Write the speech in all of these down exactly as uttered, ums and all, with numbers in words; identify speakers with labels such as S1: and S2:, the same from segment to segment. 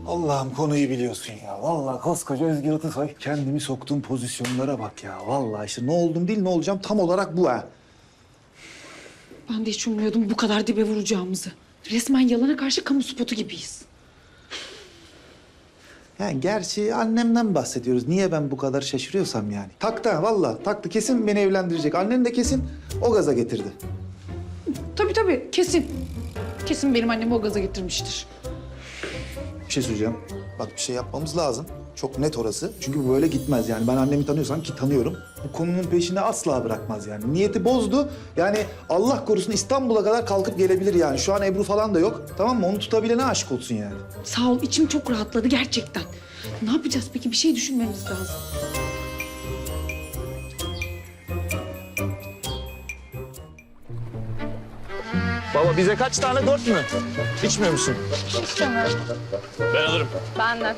S1: Allah'ım konuyu biliyorsun ya. Vallahi koskoca Özgür Atasoy. Kendimi soktuğum pozisyonlara bak ya. Vallahi işte ne oldum değil ne olacağım tam olarak bu ha.
S2: Ben de hiç ummuyordum bu kadar dibe vuracağımızı. Resmen yalana karşı kamu spotu gibiyiz.
S1: Yani gerçi annemden bahsediyoruz. Niye ben bu kadar şaşırıyorsam yani. Taktı ha vallahi taktı. Kesin beni evlendirecek. Annen de kesin o gaza getirdi.
S2: Tabii tabii kesin. Kesin benim annemi o gaza getirmiştir.
S1: Bir şey söyleyeceğim. Bak bir şey yapmamız lazım. Çok net orası. Çünkü bu böyle gitmez yani. Ben annemi tanıyorsam ki tanıyorum. Bu konunun peşini asla bırakmaz yani. Niyeti bozdu. Yani Allah korusun İstanbul'a kadar kalkıp gelebilir yani. Şu an Ebru falan da yok. Tamam mı? Onu tutabilene aşık olsun yani.
S2: Sağ ol içim çok rahatladı gerçekten. Ne yapacağız peki? Bir şey düşünmemiz lazım.
S3: Baba bize kaç tane? Dört mü? İçmiyor musun?
S4: İstemiyorum.
S3: Ben alırım.
S4: Benden.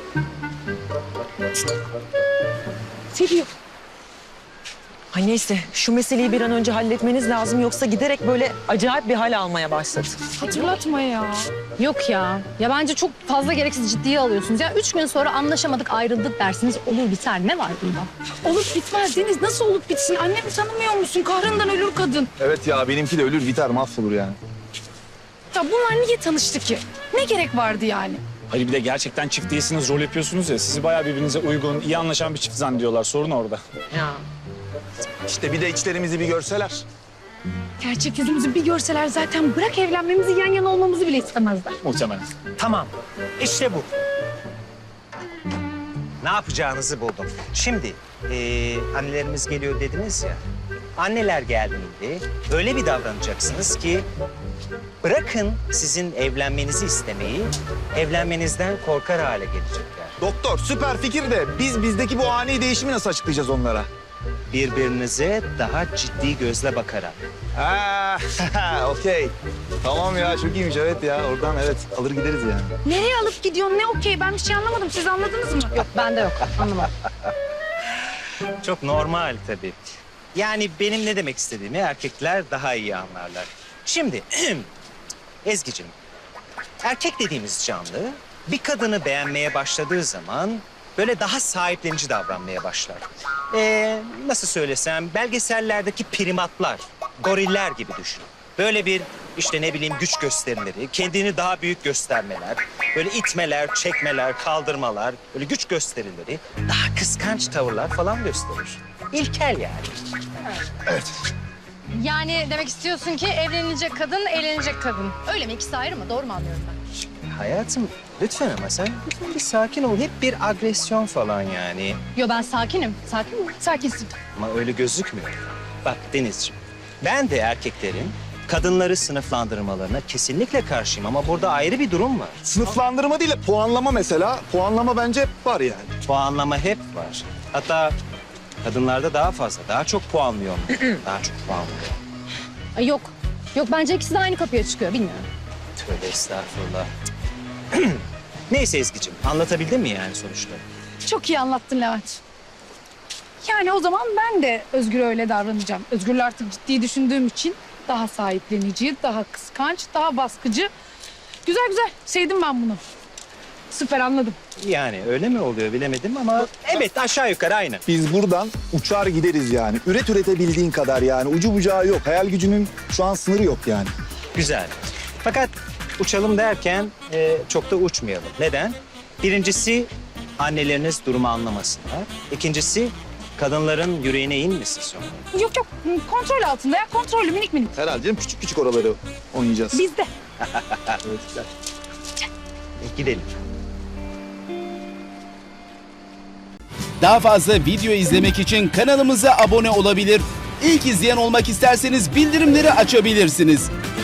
S2: Seviyor.
S5: Ha neyse şu meseleyi bir an önce halletmeniz lazım yoksa giderek böyle acayip bir hal almaya başladı.
S4: Hatırlatma ya. Yok ya. Ya bence çok fazla gereksiz ciddiye alıyorsunuz. Ya üç gün sonra anlaşamadık, ayrıldık dersiniz. Olur biter. Ne var bunda?
S2: Olup bitmez Deniz. Nasıl olup bitsin? Annemi tanımıyor musun? Kahrından ölür kadın.
S3: Evet ya benimki de ölür biter mahvolur yani.
S2: Ya bunlar niye tanıştı ki? Ne gerek vardı yani?
S6: Hayır bir de gerçekten çift değilsiniz, rol yapıyorsunuz ya. Sizi bayağı birbirinize uygun, iyi anlaşan bir çift zannediyorlar. Sorun orada.
S5: Ya.
S3: İşte bir de içlerimizi bir görseler.
S2: Gerçek yüzümüzü bir görseler zaten bırak evlenmemizi yan yana olmamızı bile istemezler.
S6: Muhtemelen.
S7: Tamam, işte bu. Ne yapacağınızı buldum. Şimdi eee, annelerimiz geliyor dediniz ya. Anneler geldiğinde öyle bir davranacaksınız ki bırakın sizin evlenmenizi istemeyi, evlenmenizden korkar hale gelecekler.
S3: Doktor süper fikir de biz bizdeki bu ani değişimi nasıl açıklayacağız onlara?
S7: Birbirinize daha ciddi gözle bakarak.
S3: Ha, okey. Tamam ya çok iyiymiş evet ya. Oradan evet alır gideriz yani.
S2: Nereye alıp gidiyorsun? Ne okey? Ben bir şey anlamadım. Siz anladınız mı?
S4: Yok bende yok. Anlamadım.
S7: Çok normal tabii. Yani benim ne demek istediğimi erkekler daha iyi anlarlar. Şimdi Ezgi'cim, erkek dediğimiz canlı bir kadını beğenmeye başladığı zaman böyle daha sahiplenici davranmaya başlar. Ee, nasıl söylesem belgesellerdeki primatlar, goriller gibi düşün. Böyle bir işte ne bileyim güç gösterimleri, kendini daha büyük göstermeler, böyle itmeler, çekmeler, kaldırmalar, böyle güç gösterileri, daha kıskanç tavırlar falan gösterir. İlkel yani.
S4: Yani demek istiyorsun ki evlenilecek kadın, eğlenecek kadın. Öyle mi? İkisi ayrı mı? Doğru mu anlıyorum ben?
S7: Hayatım lütfen ama sen lütfen bir sakin ol. Hep bir agresyon falan yani.
S4: Yo ben sakinim. Sakin mi? Sakinsin.
S7: Ama öyle gözükmüyor. Bak Denizciğim, ben de erkeklerin kadınları sınıflandırmalarına kesinlikle karşıyım ama burada ayrı bir durum var.
S3: Sınıflandırma değil de puanlama mesela. Puanlama bence hep var yani.
S7: Puanlama hep var. Hatta kadınlarda daha fazla, daha çok puanlıyor. Daha çok puanlıyor.
S4: Ay yok. Yok bence ikisi de aynı kapıya çıkıyor. Bilmiyorum.
S7: Tövbe estağfurullah. Neyse Ezgi'ciğim, anlatabildim mi yani sonuçta?
S2: Çok iyi anlattın Levent. Yani o zaman ben de Özgür'e öyle davranacağım. Özgür'le artık ciddi düşündüğüm için daha sahiplenici, daha kıskanç, daha baskıcı. Güzel güzel. Sevdim ben bunu. Süper anladım.
S7: Yani öyle mi oluyor bilemedim ama evet aşağı yukarı aynı.
S3: Biz buradan uçar gideriz yani. Üret üretebildiğin kadar yani. Ucu bucağı yok. Hayal gücünün şu an sınırı yok yani.
S7: Güzel. Fakat uçalım derken e, çok da uçmayalım. Neden? Birincisi anneleriniz durumu anlamasınlar. İkincisi kadınların yüreğine inmesin sonra.
S2: Yok yok kontrol altında ya kontrollü minik minik.
S3: Herhalde canım küçük küçük oraları oynayacağız.
S2: Bizde.
S7: E, gidelim.
S8: Daha fazla video izlemek için kanalımıza abone olabilir. İlk izleyen olmak isterseniz bildirimleri açabilirsiniz.